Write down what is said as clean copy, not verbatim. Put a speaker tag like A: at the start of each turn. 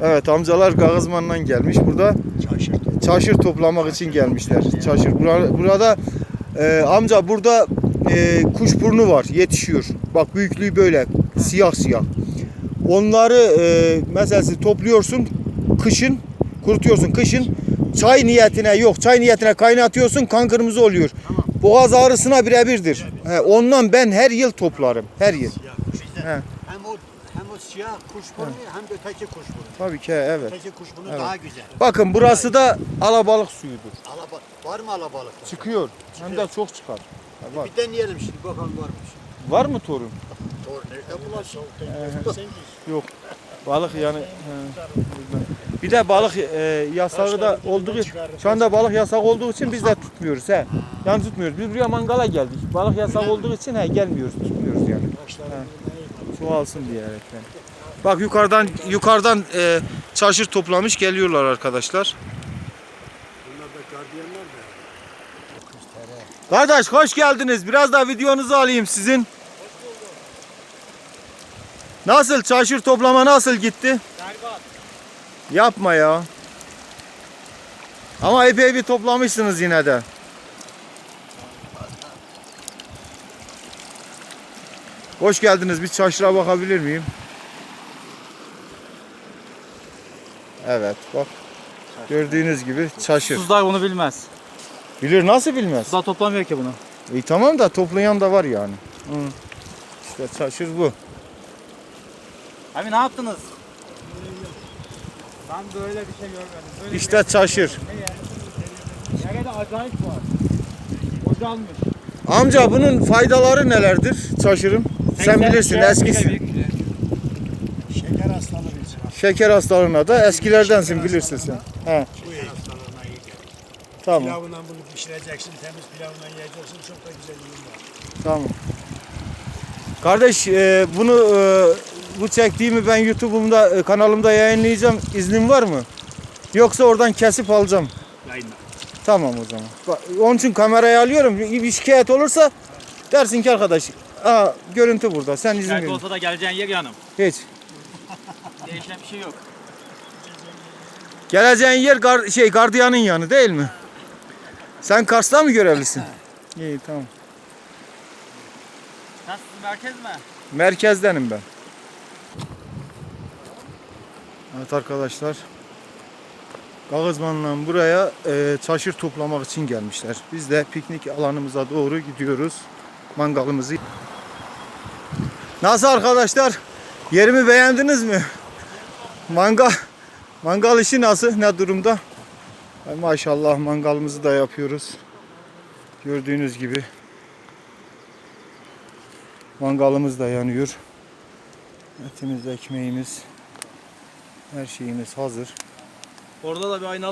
A: Evet, amcalar Kağızman'dan gelmiş. Burada çaşır toplamak için gelmişler. Çaşır. Burada amca burada kuşburnu var, yetişiyor. Bak büyüklüğü böyle siyah siyah. Onları mesela topluyorsun kışın, kurutuyorsun kışın. Çay niyetine yok. Çay niyetine kaynatıyorsun, kan kırmızı oluyor. Tamam. Boğaz ağrısına birebirdir. Ondan ben her yıl toplarım. Her yıl.
B: Hem o siyah kuşburnu hem de öteki kuşburnu.
A: Tabii ki evet.
B: Öteki kuşburnu daha güzel.
A: Bakın burası da alabalık suyudur.
B: Var mı alabalık?
A: Çıkıyor. Hem de çok çıkar. Var.
B: Bir deneyelim şimdi bakalım varmış.
A: Var mı torun?
B: Torun nerede bulasın?
A: Yok. Balık yani. Bir de balık yasağı da olduğu şu anda balık yasak olduğu için biz de tutmuyoruz he. Yani tutmuyoruz. Biz buraya mangala geldik. Balık yasak olduğu için gelmiyoruz, tutmuyoruz yani. Çoğalsın diyerek yani. Bak yukarıdan çaşır toplamış geliyorlar arkadaşlar.
B: Bunlar da gardiyanlar da.
A: Kardeş hoş geldiniz. Biraz da videonuzu alayım sizin. Nasıl çaşır toplama nasıl gitti?
B: Berbat.
A: Yapma ya. Ama epey bir toplamışsınız yine de. Hoş geldiniz. Bir çaşıra bakabilir miyim? Evet bak. Gördüğünüz gibi çaşır.
C: Tuzlar bunu bilmez.
A: Bilir nasıl bilmez?
C: Tuzlar toplamıyor ki bunu.
A: Tamam da toplayan da var yani. İşte çaşır bu.
C: Abi ne yaptınız? Ben böyle bir şey görmedim. Böyle
A: İşte çaşır.
C: Nerede acayip var. Bocalmış.
A: Amca bunun faydaları nelerdir çaşırın? Sen bilirsin eskisin.
B: Şeker hastalığı için.
A: Şeker hastalığına da eskilerdensin bilirsin sen. He.
B: Bu hastalığına iyi gelir.
A: Tamam.
B: Pilavından bunu pişireceksin, temiz pilavından yiyeceksin. Çok da güzel ürün var.
A: Tamam. Kardeş bunu bu çektiğimi ben YouTube'umda kanalımda yayınlayacağım. İznin var mı? Yoksa oradan kesip alacağım.
B: Yayınla.
A: Tamam o zaman. Onun için kamerayı alıyorum. Bir şikayet olursa dersin ki arkadaş, görüntü burada. Sen izin
C: Şikayet
A: verin.
C: olsa da geleceğin yer yanım.
A: Hiç.
C: Değişen bir şey yok.
A: Geleceğin yer gardiyanın yanı değil mi? Sen Kars'ta mı görevlisin? İyi tamam.
C: Sen sizin merkez mi?
A: Merkezdenim ben. Evet arkadaşlar. Kağızman'dan buraya çaşır toplamak için gelmişler. Biz de piknik alanımıza doğru gidiyoruz. Mangalımızı. Nasıl arkadaşlar? Yerimi beğendiniz mi? Mangal işi nasıl? Ne durumda? Maşallah mangalımızı da yapıyoruz. Gördüğünüz gibi. Mangalımız da yanıyor. Etimiz, ekmeğimiz, her şeyimiz hazır.
C: Orada da bir aynalı